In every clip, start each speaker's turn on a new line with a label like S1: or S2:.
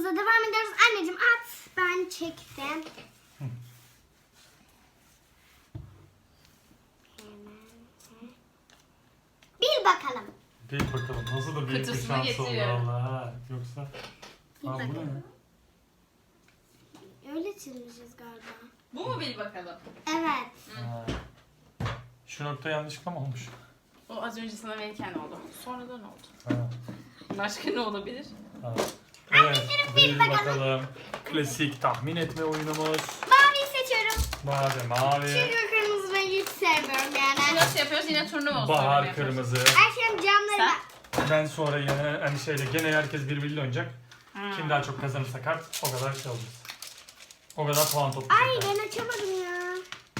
S1: Oyunumuza devam ediyoruz. Anneciğim at. Ben çektim. Bir bakalım.
S2: Bir bakalım nasıl da büyük bir
S3: Kutusunu
S2: şans oldu
S3: getiriyorum.
S2: Allah. Yoksa...
S1: Bir
S2: Aa, bu ne?
S1: bakalım. Öyle çizmişiz galiba.
S3: Bu mu bil bakalım?
S1: Evet.
S2: Ha. Şu nokta yanlışlıkla mı olmuş?
S3: O az önce sana verirken oldu. Sonradan oldu.
S2: Ha.
S3: Başka ne olabilir?
S2: Ha. Evet, bir bakalım. Klasik tahmin etme oyunumuz.
S1: Maviyi seçiyorum.
S2: Mavi.
S1: Çünkü kırmızı rengi hiç sevmiyorum yani.
S3: Nasıl yapıyoruz? Yine turnuva olsun.
S2: Bahar kırmızı.
S1: Ayşem camları
S3: Sen?
S1: var.
S2: Ben sonra yine hani gene herkes birbiriyle oynayacak. Kim daha çok kazanırsa kart o kadar şey olacağız. O kadar puan
S1: Ay
S2: toplayacağız.
S1: ben açamadım ya.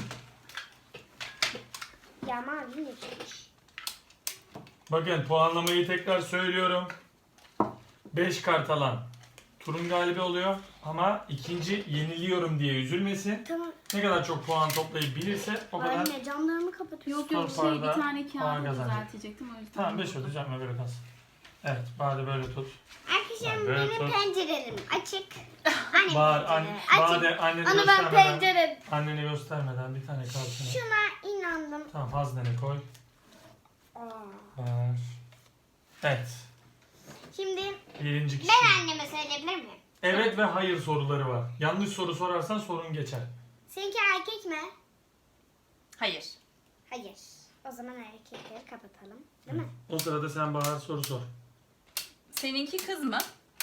S1: Ya mavi ne çıkmış?
S2: Bakın puanlamayı tekrar söylüyorum. 5 kart alan turun galibi oluyor. Ama ikinci yeniliyorum diye üzülmesin.
S1: Tamam.
S2: Ne kadar çok puan toplayıp bilirse o kadar.
S1: Anne camlarımı kapatıyorum.
S3: Yok
S2: Son
S3: bir
S2: parda
S3: tane
S2: puan
S3: kağıdı
S2: kazanacak.
S3: düzeltecektim o yüzden.
S2: Tamam 5 oldu canım öyle kalsın. Evet bari böyle tut.
S1: Arkadaşlar
S2: Evet,
S1: benim
S2: dur.
S1: pencerelerim açık. Anne
S2: Bağır,
S1: açık.
S2: anneni
S1: Onu ben
S2: göstermeden,
S1: pencere.
S2: anneni göstermeden bir tane kalsın.
S1: Şuna inandım.
S2: Tamam hazneni koy.
S1: Aa.
S2: Ver. Evet.
S1: Şimdi
S2: Birinci kişi.
S1: ben anneme söyleyebilir miyim?
S2: Evet ve hayır soruları var. Yanlış soru sorarsan sorun geçer.
S1: Seninki erkek mi?
S3: Hayır.
S1: Hayır. O zaman erkekleri kapatalım. Değil mi?
S2: O sırada sen Bahar soru sor.
S3: Seninki kız mı?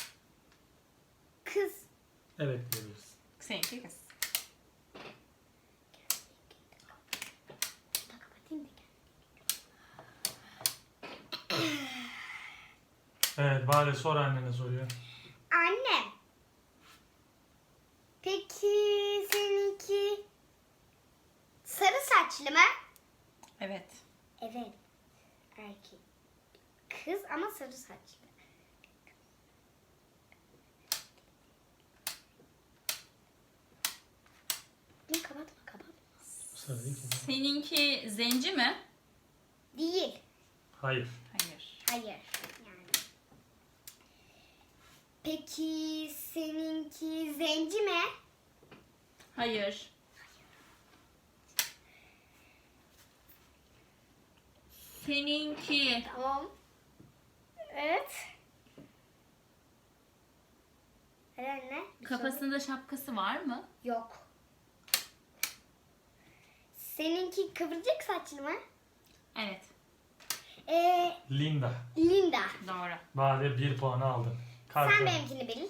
S1: Kız.
S2: Evet diyoruz.
S3: Seninki kız.
S1: Da kapatayım da.
S2: Evet Bahar sor annene soruyor.
S1: Anne. Peki seninki sarı saçlı mı?
S3: Evet.
S1: Evet. Erkek. Kız ama sarı saçlı. Dur kapatma kapatma.
S2: Sarı değil ki.
S3: Seninki zenci mi?
S1: Değil.
S2: Hayır.
S3: Hayır.
S1: Hayır. Yani. Peki seninki zenci mi?
S3: Hayır. Seninki
S1: Tamam. Evet. Hadi anne. bir
S3: kafasında şapkası var mı?
S1: soru. Yok. Seninki kıvırcık saçlı mı?
S3: Evet.
S2: Linda.
S1: Linda.
S3: Doğru.
S2: Bahar 1 puanı aldın.
S1: Sen
S2: Kartı.
S1: benimkini bil.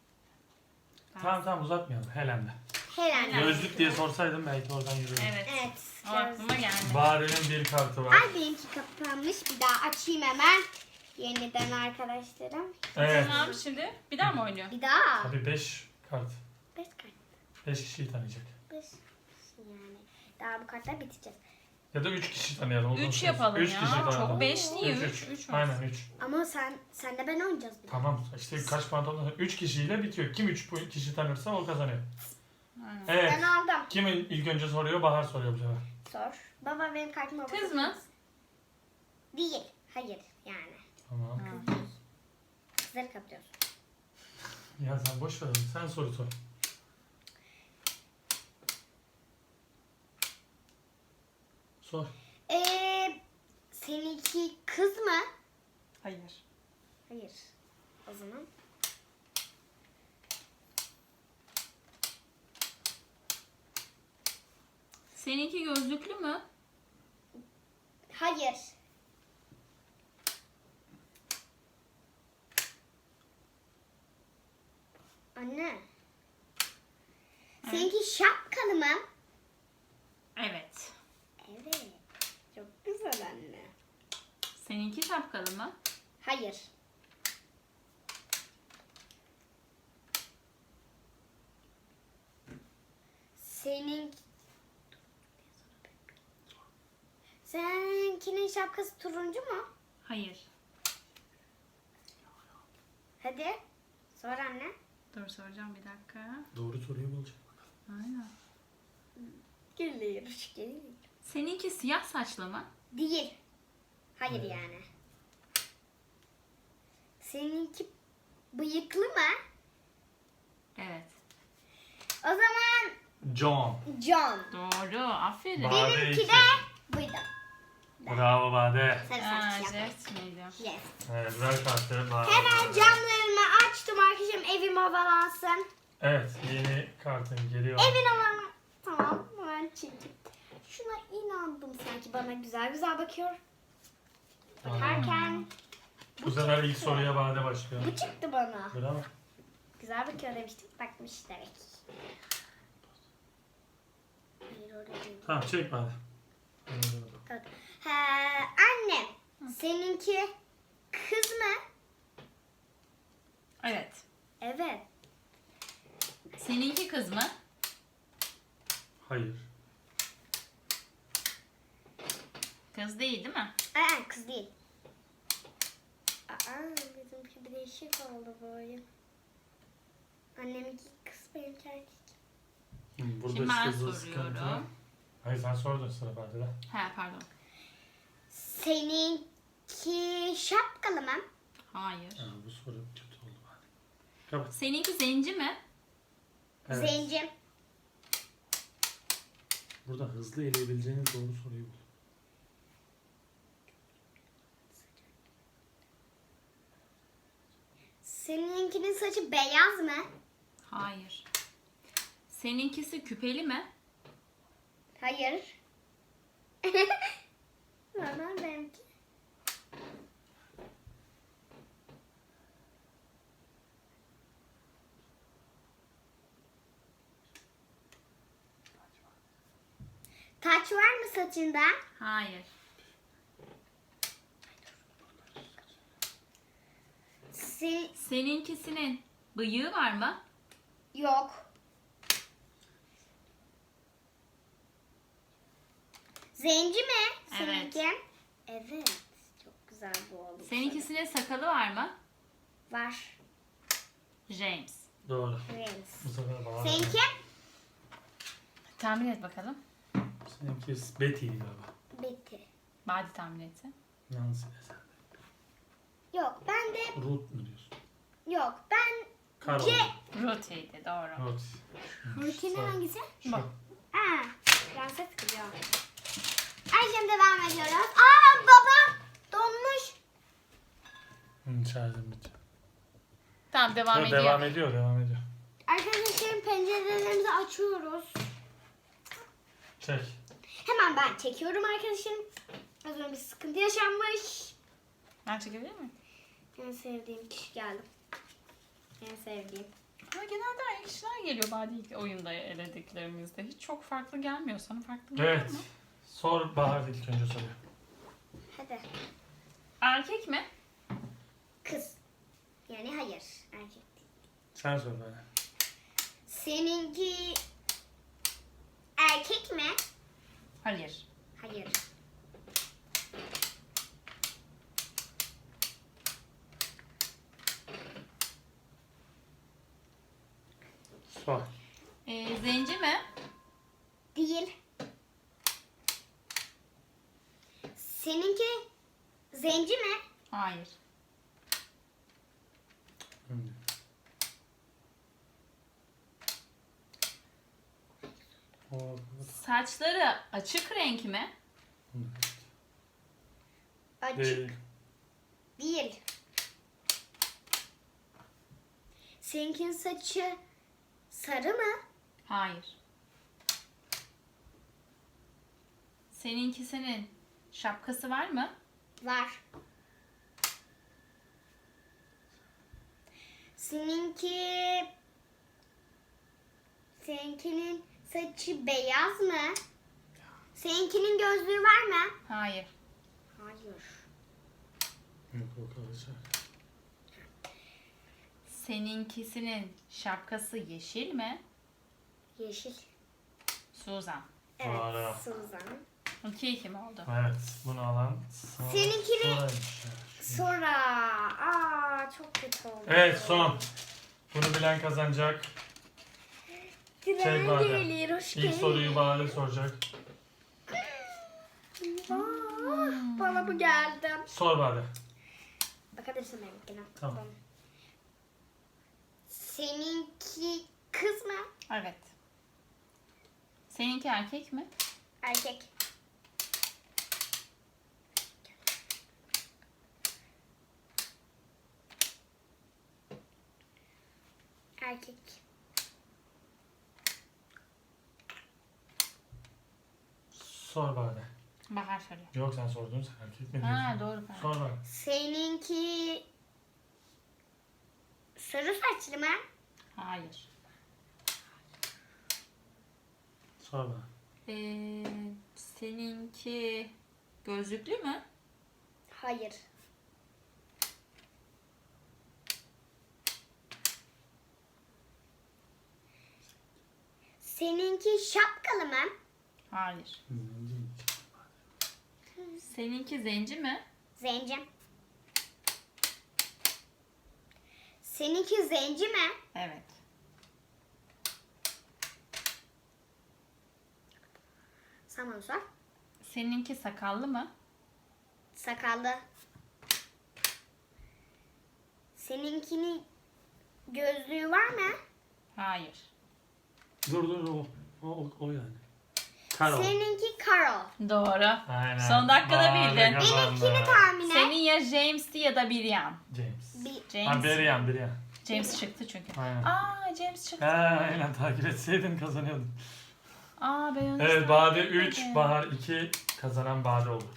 S2: Tamam uzatmayalım Helen'de.
S1: Helen.
S2: Gözlük diye sorsaydım belki oradan yürürdüm.
S3: Evet.
S1: Evet.
S3: O aklıma geldi.
S2: Bahar'ın bir kartı var.
S1: Ay benimki kapanmış. Bir daha açayım hemen. Yeniden arkadaşlarım.
S2: Evet.
S3: Tamam şimdi bir daha mı oynuyor?
S1: Bir daha.
S2: Tabii 5 kart.
S1: 5 kart.
S2: 5 kişiyi tanıyacak.
S1: 5 yani. Daha bu kartlar bitecek.
S2: Ya da 3 kişi tanıyalım.
S3: 3 yapalım
S2: 3
S3: ya.
S2: kişi tanıyalım.
S3: Çok 5 değil.
S2: 3
S3: 3.
S2: Aynen 3.
S1: Ama senle ben oynayacağız bir de.
S2: Tamam işte kaç puan topladın? 3 kişiyle bitiyor. Kim 3 kişi tanırsa o kazanıyor.
S3: Aynen.
S2: Evet.
S1: Ben aldım.
S2: Kim ilk önce soruyor? Bahar soruyor bu sefer.
S1: Sor. Baba benim kartımı bakar
S3: Kız mı?
S1: mısın? Değil. Hayır yani.
S2: Tamam.
S3: Ha.
S1: Kızları kapatıyorsun.
S2: Ya sen boş ver onu. Sen soru sor. Sor.
S1: Seninki kız mı?
S3: Hayır.
S1: Hayır. O zaman.
S3: Seninki gözlüklü mü?
S1: Hayır. Anne. Seninki şapkalı mı?
S3: Evet.
S1: Evet. Çok güzel anne.
S3: Seninki şapkalı mı?
S1: Hayır. Seninkinin şapkası turuncu mu?
S3: Hayır.
S1: Hadi. Sor anne.
S3: Dur soracağım bir dakika.
S2: Doğru soruyu bulacak.
S3: Aynen.
S1: Geliyor. Geliyor.
S3: Seninki siyah saçlı mı?
S1: Değil. Hayır
S2: Evet.
S1: yani. Seninki bıyıklı mı? O zaman
S2: John.
S1: John.
S3: Doğru. Aferin.
S2: Bade
S1: Benimki
S2: iki.
S1: de buydu.
S2: Bravo Bade.
S1: Sarı
S3: Aa,
S1: saç yap.
S3: jest miydi?
S1: Yes.
S2: Evet, ver kartı. Bade.
S1: Hemen camlarımı açtım arkadaşım, evim havalansın.
S2: Evet, yeni kartın geliyor.
S1: Evin havalan. Tamam, hemen çekip. Şuna inandım, sanki bana güzel güzel bakıyor. Bakarken
S2: Bu sefer ilk soruya Bade başlıyor.
S1: bu çıktı bana.
S2: Bravo.
S1: Güzel bakıyor demiştim, bakmış demek. Hayır, orada değil.
S2: Tamam, çek Bade.
S1: He, anne, seninki kız mı?
S3: Evet.
S1: Evet.
S3: Seninki kız mı?
S2: Hayır.
S3: Kız değil mi?
S1: Kız değil. Bizimki bir değişik oldu bu oyun. Anneminki kız, benimki erkek.
S2: Burada
S3: Şimdi ben
S2: hızlı sıkıntı.
S3: soruyorum.
S2: Hayır, sen sordun, sıra Bade'de.
S3: He pardon.
S1: Seninki şapkalı mı?
S3: Hayır.
S2: Bu soru kötü oldu Bade. Kapat.
S3: Seninki zenci mi?
S2: Evet.
S1: Zenci.
S2: Burada hızlı eleyebileceğiniz doğru soruyu bul.
S1: Seninkinin saçı beyaz mı?
S3: Hayır. Seninkisi küpeli mi?
S1: Hayır. Normal benimki. Taç var mı saçında?
S3: Hayır. Seninkisinin bıyığı var mı?
S1: Yok. Zenci mi?
S3: Evet.
S1: Seninki? Evet. Çok güzel bu oldu.
S3: Seninkisinin sakalı var mı?
S1: Var.
S3: James.
S2: Doğru.
S1: Evet.
S2: Bu sefer Bade.
S1: Seninki?
S3: Tahmin et bakalım.
S2: Seninki Betty'ydi galiba.
S1: Betty.
S3: Badi tahmin etsin.
S2: Nancy de sen.
S1: Yok ben de
S2: Ruth mu diyorsun?
S1: yok. Ben
S2: Carol.
S3: Ruthie'ydi doğru.
S2: Ruth.
S1: Ruthie'nin
S2: Sağ ol.
S1: hangisi?
S2: Şu.
S1: Prenses kılıyor. Ayşem devam ediyoruz. Baba donmuş.
S2: Şarjım bitiyor.
S3: Tamam devam ediyor.
S2: Devam ediyor.
S1: Arkadaşlar pencerelerimizi açıyoruz.
S2: Çek.
S1: Hemen ben çekiyorum arkadaşım. Az önce bir sıkıntı yaşanmış.
S3: Ben çekebilir miyim?
S1: En sevdiğim kişi geldi. En sevdiğim.
S3: Ama genelde aynı kişiler geliyor Badi ilk oyunda elediklerimizde. Hiç çok farklı gelmiyor. Sana farklı geliyor
S2: Evet.
S3: mu?
S2: Sor Bahar ilk önce soruyor.
S1: Hadi.
S3: Erkek mi?
S1: Kız. Yani hayır. Erkek değil.
S2: Sen sor bana.
S1: Seninki erkek mi?
S3: Hayır.
S1: Hayır.
S2: Sor.
S3: Zenci mi?
S1: Değil. Seninki zenci mi?
S3: Hayır. Saçları açık renk mi?
S1: Açık.
S2: Değil.
S1: Değil. Seninkinin saçı sarı mı?
S3: Hayır. Seninkisinin şapkası var mı?
S1: Var. Seninkinin saçı beyaz mı? Seninkinin gözlüğü var mı?
S3: Hayır.
S1: Hayır.
S2: Yok o kalacak.
S3: Seninkisinin şapkası yeşil mi?
S1: Yeşil.
S3: Susan.
S1: Evet.
S2: Doğru.
S1: Suzan.
S3: 2-2 mi oldu?
S2: Evet. Bunu alan
S1: Seninkini-
S2: Soraymış ya.
S1: Sonra. Çok kötü oldu.
S2: Evet son. Bunu bilen kazanacak.
S1: Tren
S2: Bade.
S1: gelir. Hoş
S2: İlk
S1: geldin.
S2: soruyu Bahar soracak.
S1: Bana bu geldi.
S2: Sor Bahar.
S1: Bakabilirsin benimkine.
S2: Tamam.
S1: Seninki kız mı?
S3: Evet. Seninki erkek mi?
S1: Erkek. Erkek.
S2: Sor bari.
S3: Bahar soruyor.
S2: Yok sen sordun sen erkek mi diyorsun?
S3: Ha doğru. Pardon.
S2: Sor bari.
S1: Seninki sarı saçlı mı?
S3: Hayır.
S2: Sor bari.
S4: Seninki gözlüklü mü?
S1: Hayır. Seninki şapkalı mı?
S3: Hayır.
S4: Seninki zenci mi?
S1: Zenci. Seninki zenci mi?
S3: Evet.
S1: Sen bana sor.
S3: Seninki sakallı mı?
S1: Sakallı. Seninkinin gözlüğü var mı?
S3: Hayır.
S2: Dur o yani. Karol.
S1: Seninki Carol.
S3: Doğru.
S2: Aynen.
S3: Son dakikada
S2: Vay,
S3: bildin.
S2: kazandı.
S1: Benimkini tahmin et.
S3: Senin ya James'ti ya da Brian.
S2: James.
S1: Bir-
S2: Ha
S3: James.
S2: Beriyan.
S3: James çıktı çünkü.
S2: Aynen.
S3: Aa James çıktı.
S2: Ha aynen takip etseydin kazanıyordun.
S3: Aa ben onu
S2: Evet Bade
S3: takip
S2: 3,
S3: etmedim.
S2: Bahar 2 kazanan Bade oldu.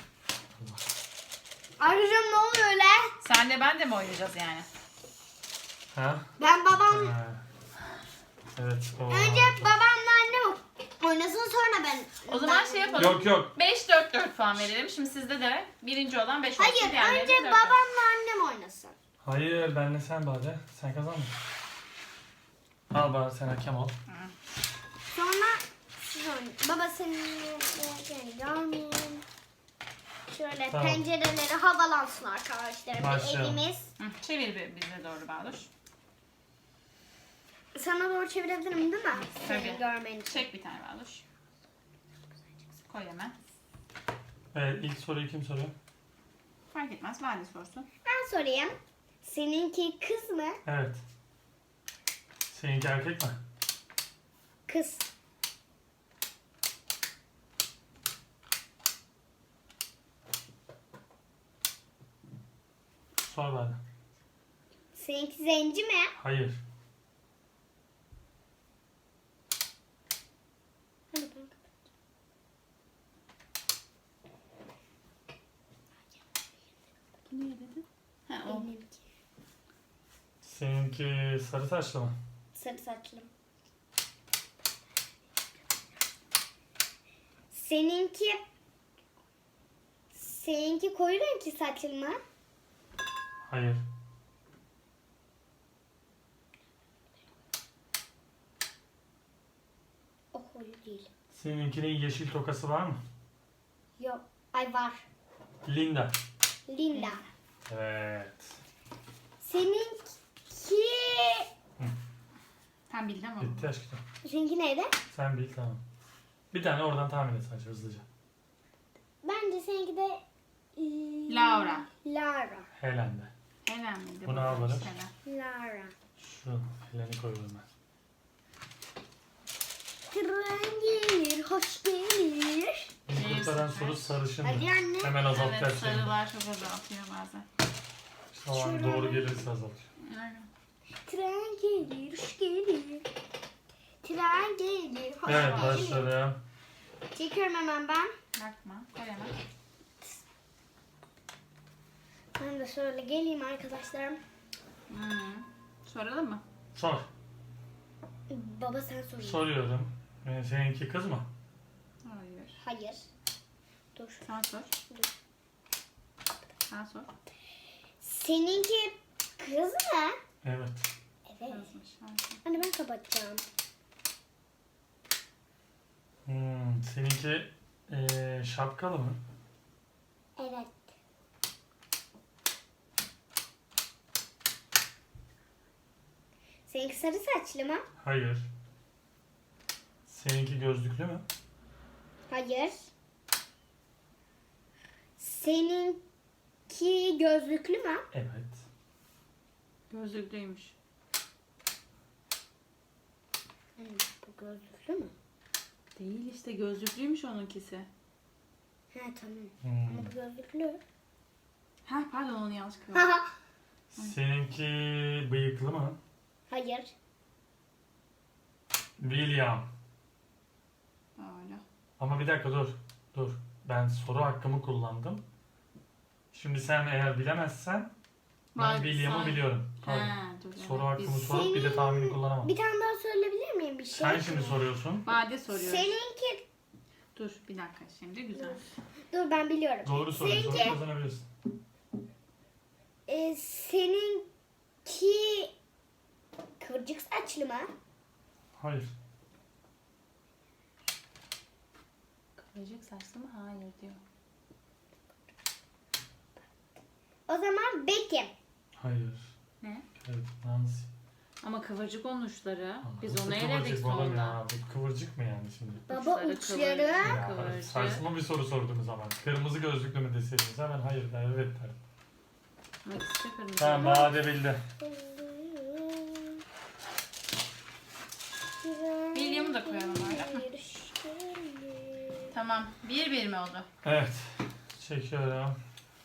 S1: Ayrıca ne oluyor öyle?
S3: Senle ben de mi oynayacağız yani?
S2: Ha?
S1: Ben babam...
S2: Ha. Evet. O.
S1: Önce babamla annem oynasın sonra ben...
S3: O zaman şey yapalım.
S2: Yok.
S3: 5-4-4 puan verelim. Şimdi sizde de birinci olan 5 olsun.
S1: Hayır
S3: diğerleri
S1: önce
S3: 4-4.
S1: babamla annem oynasın.
S2: Hayır benle sen Bade. Sen kazandın. Al Bahar sen hakem ol.
S1: Sonra siz oynayın. Baba senin görmeyin. Şöyle
S2: Tamam.
S1: pencereleri havalansın arkadaşlar. Bir
S2: Başlayalım.
S1: elimiz.
S3: Hı, çevir bize doğru Bahadır.
S1: Sana doğru çevirebilirim değil mi? Senin
S3: Tabii.
S1: görmen için.
S3: Çek bir tane Bahadır. Koy hemen.
S2: Evet ilk soruyu kim soruyor?
S3: Fark etmez. Vade sorsun.
S1: Ben sorayım. Seninki kız mı?
S2: Evet. Seninki erkek mi?
S1: Kız.
S2: Sor Bade.
S1: Seninki zenci mi?
S2: Hayır.
S1: Hadi bakalım.
S3: Ne dedin? Ha, o.
S1: Benimki.
S2: Seninki sarı saçlı mı?
S1: Sarı saçlı. Seninki koyu renkli saçlı mı?
S2: Hayır.
S1: O koyu değil.
S2: Seninkinin yeşil tokası var mı?
S1: Yok. Ay var.
S2: Linda.
S1: Linda.
S2: Evet.
S1: Seninki...
S3: Sen bildin ama.
S2: Bitti aşkım.
S1: Seninki neydi?
S2: Sen bil tamam. Bir tane oradan tahmin et sadece hızlıca.
S1: Bence seninki de...
S3: Laura.
S1: Lara.
S2: Helen de.
S3: Helen miydi?
S2: Bunu
S3: bu?
S2: al Barış.
S3: Helen.
S1: Lara.
S2: Şu Helen'i koyuyorum ben.
S1: Tren gelir, hoş gelir.
S2: Beni kurtaran soru sarışındı.
S1: Hadi anne.
S2: Hemen azalt
S3: Evet
S2: gerçeğini.
S3: sarılar çok azaltıyor bazen.
S2: İşte o an doğru gelirse azaltıyor.
S3: Aynen.
S1: Tren gelir, hoş gelir. Tren gelir, hoş
S2: Evet
S1: gelir.
S2: başladım.
S1: Çekiyorum hemen ben.
S3: Bakma. Koy hemen.
S1: Ben de şöyle geleyim arkadaşlarım.
S3: Soralım mı?
S2: Sor.
S1: Baba sen sor.
S2: Soruyorum. Seninki kız mı?
S3: Hayır.
S1: Hayır. Dur.
S3: Sen sor.
S1: Dur.
S3: Sen sor.
S1: Seninki kız mı?
S2: Evet.
S1: Evet.
S3: Yazmış. Sen sor.
S1: Anne ben kapatacağım.
S2: Seninki şapkalı mı?
S1: Evet. Seninki sarı saçlı mı?
S2: Hayır. Seninki gözlüklü mü?
S1: Hayır. Seninki gözlüklü mü?
S2: Evet.
S3: Gözlüklüymüş.
S1: Bu gözlüklü mü?
S4: Değil işte, gözlüklüymüş onunkisi.
S1: He tamam.
S2: Hmm.
S1: Ama bu gözlüklü.
S4: Ha pardon, onu yanlış kıldım.
S2: Seninki bıyıklı mı?
S1: Hayır.
S2: William.
S4: Öyle.
S2: Ama bir dakika dur. Dur. Ben soru hakkımı kullandım. Şimdi sen eğer bilemezsen ben
S4: Bak,
S2: William'ı
S4: sen-
S2: biliyorum. Tabii.
S4: Ha, dur.
S2: Soru
S4: evet,
S2: hakkımı
S4: biz-
S2: sorup bir de tahmini kullanamam.
S1: Bir tane daha söyleyebilir miyim bir şey?
S2: Sen şimdi soruyorsun.
S4: Bade soruyoruz.
S1: Seninki...
S4: Dur bir dakika, şimdi güzel.
S1: Dur ben biliyorum.
S2: Doğru soruyorsun.
S1: Seninki...
S2: Kazanabilirsin.
S1: Seninki... Kıvırcık saçlı mı?
S2: Hayır.
S4: Kıvırcık saçlı mı? Hayır diyor.
S1: O zaman Becky.
S2: Hayır.
S4: Ne?
S2: Evet, Nancy.
S4: Ama kıvırcık onun uçları. Biz
S2: Nasıl
S4: onu eledik
S2: kıvırcık oğlum
S4: sonra.
S2: ya? Bu kıvırcık mı yani şimdi?
S1: Baba
S4: Uçları
S1: uçları.
S2: Ya,
S4: Kıvırcık.
S2: saçma bir soru sordunuz ama. Kırmızı gözlüklü mü deseydiniz hemen hayır der, evet derdim.
S4: Ama ikisi de kırmızı.
S2: Tamam, Bade bildi.
S4: William'ı da koyalım öyle mi? Tamam. 1-1 mi oldu?
S2: Evet. Çekiyorum.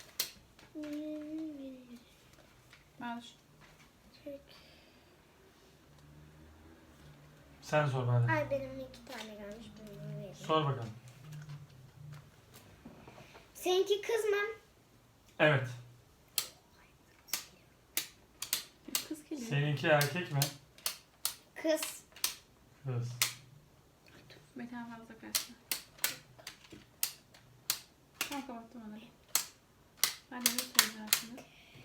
S4: Ben
S2: Sen sor Bade.
S1: Ay benim 2 tane gelmiş. Bunu vereyim.
S2: Sor bakalım.
S1: Seninki kız mı?
S2: Evet.
S4: kız geliyor.
S2: Seninki erkek mi?
S1: Kız.
S2: Kız.
S4: Mekan fazla kaçtı. Tamam, kapattım onları. Hadi ne soracaksınız?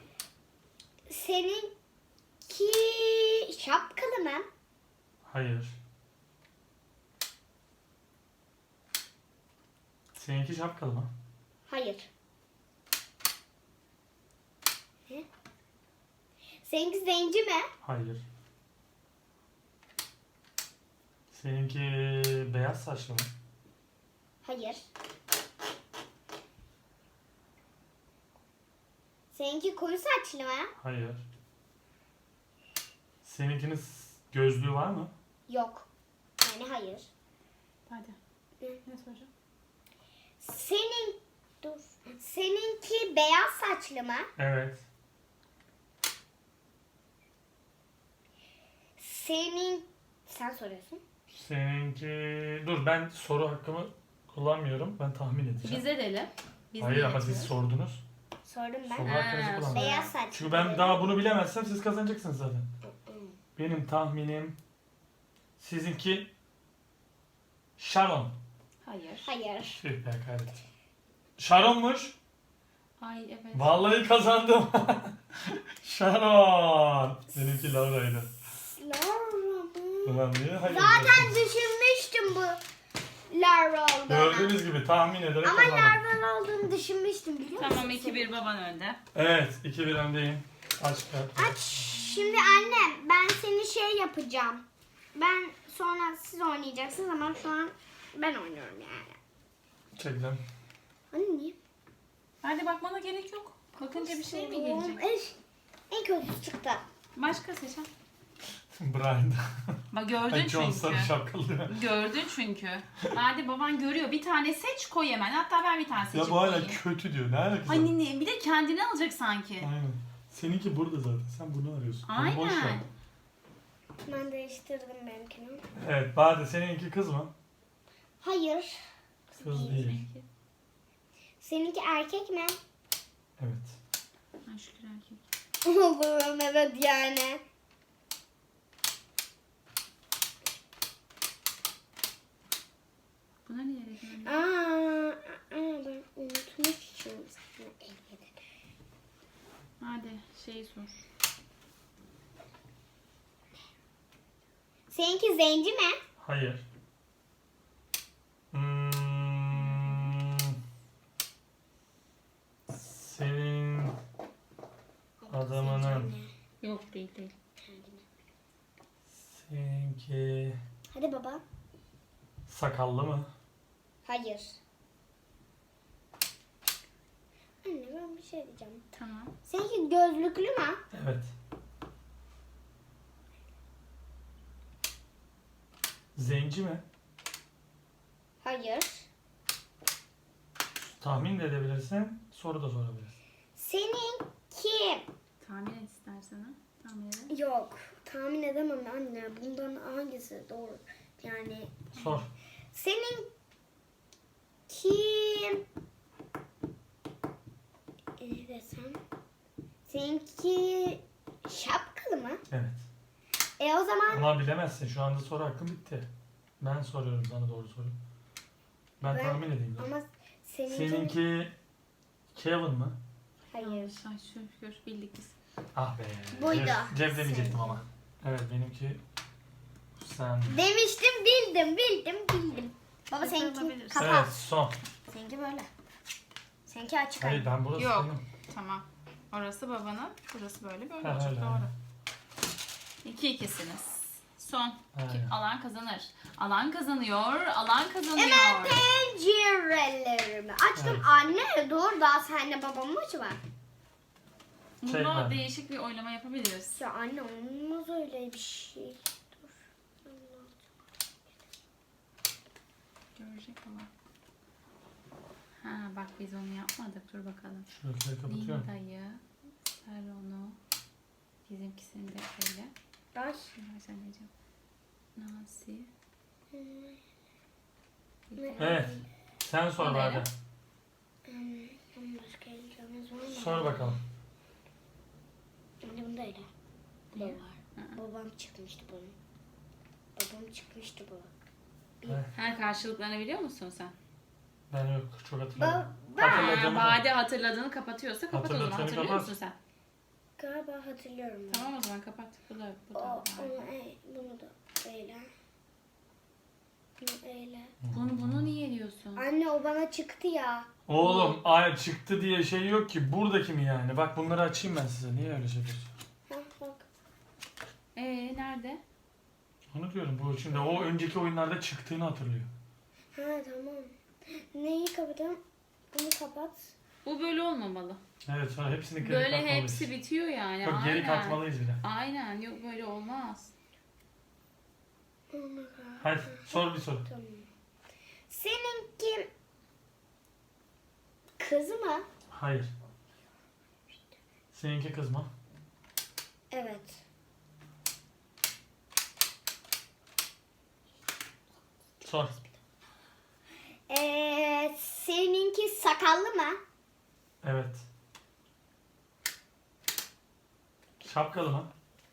S1: Seninki şapkalı mı?
S2: Hayır. Seninki şapkalı mı?
S1: Hayır. Ne? Seninki zenci mi?
S2: Hayır. Seninki beyaz saçlı mı?
S1: Hayır. Seninki koyu saçlı mı?
S2: Hayır. Seninkinin gözlüğü var mı?
S1: Yok. Yani hayır.
S4: Hadi.
S1: Hı.
S4: Ne soracağım?
S1: Dur. Seninki beyaz saçlı mı?
S2: Evet.
S1: Sen soruyorsun.
S2: Seninki... Dur, ben soru hakkımı kullanmıyorum. Ben tahmin edeceğim.
S4: Biz edelim. Biz
S2: Hayır
S4: de
S2: ama siz
S4: yapıyoruz.
S2: sordunuz.
S1: Sordum
S2: Soru
S1: ben.
S2: hakkınızı
S4: Ha,
S2: kullanın.
S1: Beyaz saçlı.
S2: Çünkü ben daha bunu bilemezsem siz kazanacaksınız zaten. Benim tahminim sizinki Sharon.
S4: Hayır.
S1: Hayır.
S2: Tüh be, kaybettim. Sharon'muş.
S4: Ay evet.
S2: Vallahi kazandım. Sharon. Benimki Laura'ydı.
S1: Laura mı?
S2: Ulan niye hayır
S1: Zaten
S2: diyorsun?
S1: düşünmüştüm bu Lara olduğunu.
S2: Gördüğünüz gibi tahmin ederek
S1: Ama
S2: kazandım.
S1: Lara olduğunu düşünmüştüm biliyor musun?
S4: Tamam, 2-1 baban önde.
S2: Evet, 2-1 öndeyim. Aç kart.
S1: Aç. Şimdi anne ben seni şey yapacağım. Ben sonra siz oynayacaksınız ama şu an ben oynuyorum yani.
S2: Çektim.
S1: Anne niye?
S4: Hadi bakmana gerek yok. Bakınca bir şey mi gelecek?
S1: En kötüsü çıktı.
S4: Başka seçen.
S2: Brian.
S4: Bak gördün
S2: Ay, John
S4: çünkü.
S2: sarı şapkalı değil mi?
S4: Gördün çünkü. Hadi baban görüyor. Bir tane seç, koy hemen. Hatta ben bir tane seçip
S2: Ya bu hala
S4: koyayım.
S2: kötü diyor. Ne alakası var?
S4: Hani ne? Bir de kendini alacak sanki.
S2: Aynen. Seninki burada zaten. Sen bunu arıyorsun. Bunu
S4: Aynen.
S2: boş ver.
S1: Ben değiştirdim benimkini.
S2: Evet, Bade seninki kız mı?
S1: Hayır.
S2: Kız değil.
S1: Seninki erkek mi?
S2: Evet.
S4: Ay şükür erkek.
S1: Allah'ım evet yani.
S4: Buna niye reklam?
S1: Ben unutmuşum.
S4: Hadi şey sor.
S1: Seninki zenci mi?
S2: Hayır. Senin adamının
S4: Yok değil.
S2: seninki
S1: Hadi baba.
S2: sakallı mı?
S1: Hayır. Anne ben bir şey diyeceğim.
S4: Tamam.
S1: Seninki gözlüklü mü?
S2: Evet. Zenci mi?
S1: Hayır.
S2: Tahmin de edebilirsin. Soru da sorabilirsin.
S1: Seninki
S4: Tahmin et istersen ha. Tahmin et.
S1: yok. Tahmin edemem anne. Bundan hangisi doğru? Yani
S2: Sor.
S1: seninki ne desem? Seninki şapkalı mı?
S2: Evet.
S1: O zaman
S2: Ama bilemezsin. Şu anda soru hakkım bitti. Ben soruyorum sana doğru soru. Ben
S1: Ben-
S2: tahmin edeyim.
S1: ama seninki
S2: Seninki Kevin mı?
S1: hayır.
S4: Ay şükür bildik biz.
S2: Ah be.
S1: Buydu.
S2: Cev demeyecektim ama. Evet benimki sen.
S1: Demiştim bildim. Baba
S4: Şaka
S1: seninki
S4: olabilir.
S1: kapat.
S2: Evet son.
S1: Seninki böyle. Seninki açık.
S2: Hayır ben burası
S4: Yok.
S2: benim.
S4: Tamam. Orası babanın. Burası böyle böyle
S2: Ha,
S4: olacak.
S2: öyle,
S4: Doğru.
S2: öyle.
S4: 2-2'siniz. Son.
S2: Aynen.
S4: Alan kazanır. Alan kazanıyor. Alan kazanıyor.
S1: Hemen pencerelerimi açtım.
S2: Evet.
S1: Anne dur daha senle babamın maçı var.
S2: Çek
S4: Bunda
S2: ben.
S4: değişik bir oylama yapabiliriz.
S1: Ya anne olmaz öyle bir şey. Dur.
S4: Görecek ama. Ha bak biz onu yapmadık. Dur bakalım.
S2: Şurayı kapatıyorum.
S4: Linda'yı, Salon'u, bizimkisini de öyle.
S1: Ay.
S4: Sen diyeceğim. Nasi.
S2: Evet. Sen sor
S4: Öyle.
S2: Bade.
S1: Başka elbisemiz var mı?
S2: Sor bakalım.
S1: Anne bunda öyle. Bu da
S4: Ne?
S1: var. Babam çıkmıştı bunun. Babam çıkmıştı bu.
S2: Evet.
S4: Her karşılıklarını biliyor musun sen?
S2: Ben yok. Çok hatırladım.
S1: Ba-
S2: Hatırladığımı
S4: Bade hatırladığını kapatıyorsa kapat o zaman.
S2: Hatırladığını
S4: Hatırlıyor
S2: kapat.
S4: musun sen?
S1: Galiba hatırlıyorum. ben.
S4: Tamam o zaman kapat. Bu da bu da.
S1: O,
S4: var.
S1: bunu da öyle. Bunu öyle.
S4: Bunu niye diyorsun?
S1: Anne o bana çıktı ya.
S2: Oğlum ay çıktı diye şey yok ki. Buradaki mi yani? Bak bunları açayım ben size. Niye öyle şey yapıyorsun?
S1: Ha, bak.
S4: Nerede?
S2: Onu diyorum. Bu şimdi o önceki oyunlarda çıktığını hatırlıyor.
S1: Ha tamam. Neyi kapatalım? Bunu kapat.
S4: Bu böyle olmamalı.
S2: Evet sonra hepsini geri
S4: Böyle
S2: katmalıyız.
S4: hepsi bitiyor yani.
S2: Yok geri
S4: Aynen.
S2: katmalıyız bir de.
S4: Aynen. Yok böyle olmaz.
S1: Oh my god.
S2: Hadi sor bir soru.
S1: Tamam. Seninki kız mı?
S2: Hayır. Seninki kız mı?
S1: Evet.
S2: Sor.
S1: Seninki sakallı mı?
S2: Evet. Şapkalı mı?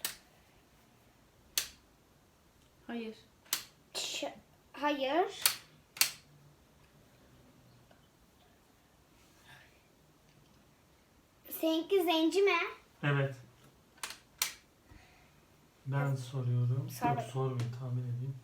S4: Hayır.
S1: Hayır. Seninki zenci mi?
S2: Evet. Ben soruyorum.
S1: Sor
S2: Yok
S1: bakayım.
S2: sormayayım tahmin edeyim.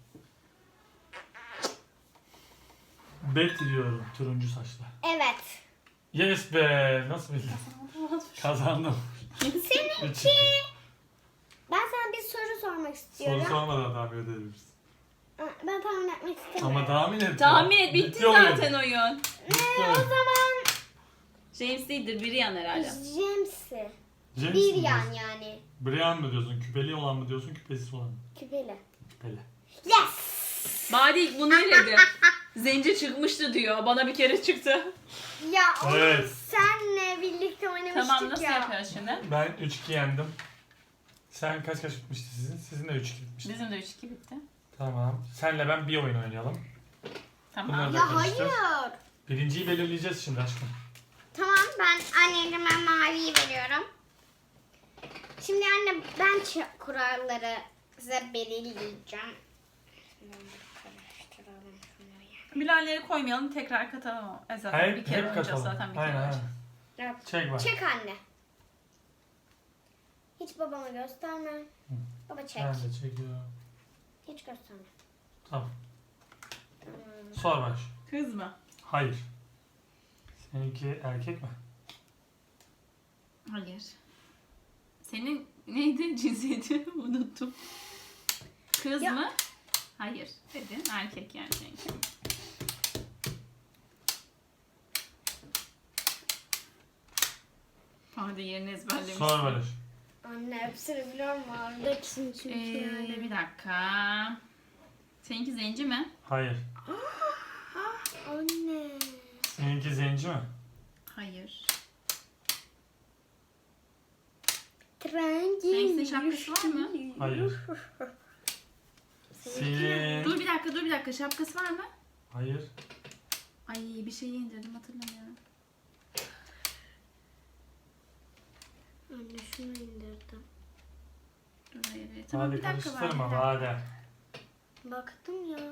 S2: Bet diyorum turuncu saçlı.
S1: Evet.
S2: Yes be nasıl bildin? Kazandım.
S1: Seninki...
S2: Üç iki.
S1: Ben sana bir soru sormak istiyorum.
S2: Soru sormadan tahmin edebiliriz.
S1: Ben tahmin etmek istemiyorum.
S2: Ama tahmin et.
S4: Tahmin
S2: ya.
S4: et. Bitti
S2: oyun.
S4: zaten oyun.
S2: Bitti
S1: O
S2: oyun.
S1: zaman
S4: James değildir. Brian herhalde.
S1: James'i.
S2: James
S1: Bir
S2: mi
S1: yan
S2: diyorsun?
S1: yani.
S2: Brian mı diyorsun? Küpeli olan mı diyorsun? Küpesiz olan mı?
S1: Küpeli.
S2: Küpeli.
S1: Yes!
S4: Bade ilk bunu eledi. Zenci çıkmıştı diyor. Bana bir kere çıktı.
S1: Ya oğlum
S2: Evet.
S1: senle birlikte oynamıştık
S4: Tamam nasıl
S1: ya.
S4: yapıyoruz şimdi?
S2: Ben 3-2 yendim. Sen kaç bitmişti sizin? Sizin de 3-2 bitmişti.
S4: Bizim de 3-2 bitti.
S2: Tamam. Senle ben bir oyun oynayalım.
S4: Tamam.
S2: Bunlar da
S1: Ya
S2: karıştır.
S1: hayır.
S2: Birinciyi belirleyeceğiz şimdi aşkım.
S1: Tamam ben anneciğime maviyi veriyorum. Şimdi anne ben kuralları size belirleyeceğim. Karıştıralım şunu ya.
S4: Bilalleri koymayalım tekrar katalım. Zaten bir kere oynayacağız
S2: katalım.
S4: zaten bir kere
S2: Aynen
S4: oynayacağız.
S2: aynen.
S1: Evet.
S2: Çek bak.
S1: Çek anne. Hiç babama gösterme. Baba çek.
S2: Ben de çekiyorum.
S1: Hiç gösterme.
S2: Tamam.
S1: Tamam.
S2: Sor baş.
S4: Kız mı?
S2: Hayır. Seninki erkek mi?
S4: Hayır. Senin neydi cinsiyeti? Unuttum. Kız
S1: Ya.
S4: mı? Hayır. Dedin erkek yani seninki. Hadi yerini ezberlemişsin.
S2: Sor Barış.
S1: Anne hepsini biliyorum vardı hepsini çünkü yani.
S4: Bir dakika. Seninki zenci mi?
S2: Hayır.
S1: Anne.
S2: Seninki zenci mi?
S4: Hayır.
S1: Tren
S4: Senin şapkası var mı?
S2: Hayır. Senin...
S4: Dur bir dakika. Şapkası var mı?
S2: Hayır.
S4: Ay bir şey indirdim hatırlamıyorum.
S1: Anne şunu indirdim.
S4: Dur hayır. Tamam
S2: Hadi
S4: bir dakika var.
S2: karıştırma
S4: bir dakika.
S2: hadi.
S1: Baktım ya.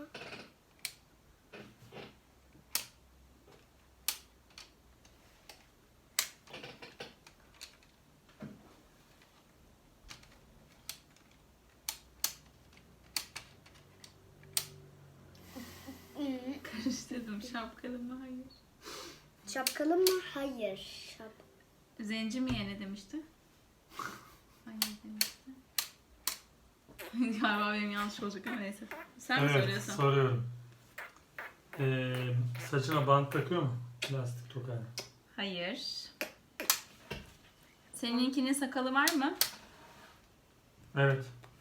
S4: Karıştırdım şapkalı mı? Hayır.
S1: Şapkalı mı? Hayır.
S4: Zenci mi yene demişti? Hayır demişti. Galiba benim yanlış olacak ama neyse. Sen mi
S2: Evet,
S4: söylüyorsun?
S2: soruyorum. Saçına bant takıyor mu? Plastik toka.
S4: Hayır. Seninkinin sakalı var mı?
S2: Evet.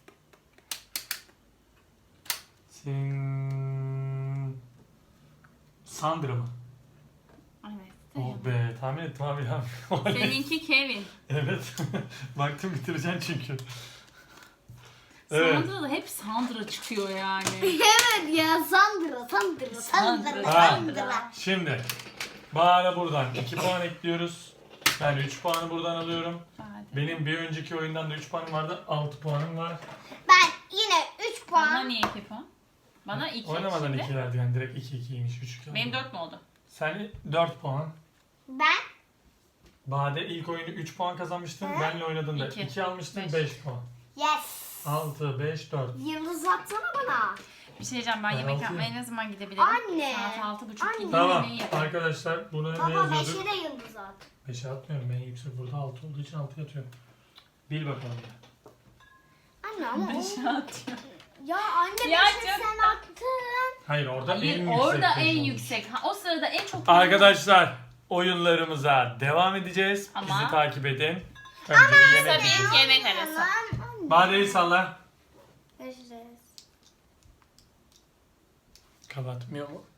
S2: Senin... Sandra mı?
S4: Evet.
S2: Oh be, tahmin ettim abi ya.
S4: Seninki Kevin.
S2: Evet. Baktım bitireceksin çünkü. Evet.
S4: Sandra da hep Sandra çıkıyor yani.
S1: Evet ya Sandra.
S4: Sandra.
S2: Şimdi Bahar'a buradan 2 puan ekliyoruz. Ben 3 puanı buradan alıyorum.
S4: Hadi.
S2: Benim bir önceki oyundan da 3 puanım vardı. 6 puanım var.
S1: Ben yine 3
S4: Bana
S1: puan.
S4: niye 2 puan? Bana 2.
S2: Oynamadan
S4: şimdi.
S2: 2 verdi yani direkt 2-2'ymiş 3-2.
S4: Benim 4 mü oldu?
S2: Sen 4 puan.
S1: Ben
S2: Bade ilk oyunu 3 puan kazanmıştın. Benle oynadığında
S4: İki.
S2: 2 almıştın,
S4: Beş.
S2: 5 puan.
S1: yes.
S2: 6, 5, 4.
S1: Yıldız atsana bana.
S4: Bir şey diyeceğim ben
S2: Ben
S4: yemek
S2: altıyım.
S4: yapmaya ne zaman gidebilirim?
S1: Anne.
S4: Saat 6.30
S1: Anne.
S4: gibi
S2: Tamam
S4: yemeği yaparım.
S2: arkadaşlar bunu ne
S1: Baba
S2: yazıyorduk?
S1: 5'e de yıldız at.
S2: 5'e atmıyorum ben yüksek. Burada 6 olduğu için 6 yatıyorum. Bil bakalım.
S1: Anne ama o...
S4: Beşe atıyor.
S1: Ya anne
S4: Ya
S1: 5'e
S4: çok-
S1: sen attın.
S2: Hayır orada en
S4: Hayır,
S2: yüksek.
S4: orada
S2: beş
S4: en
S2: olmuş.
S4: yüksek. Ha, o sırada en çok...
S2: Arkadaşlar oyunlarımıza devam edeceğiz.
S4: Ama-
S2: Bizi takip edin. Önce bir yemek
S4: Tabii
S2: yiyelim.
S4: ilk yemek arası.
S1: Anne.
S2: Bade'yi salla.
S1: Görüşürüz.
S2: Kapatmıyor mu?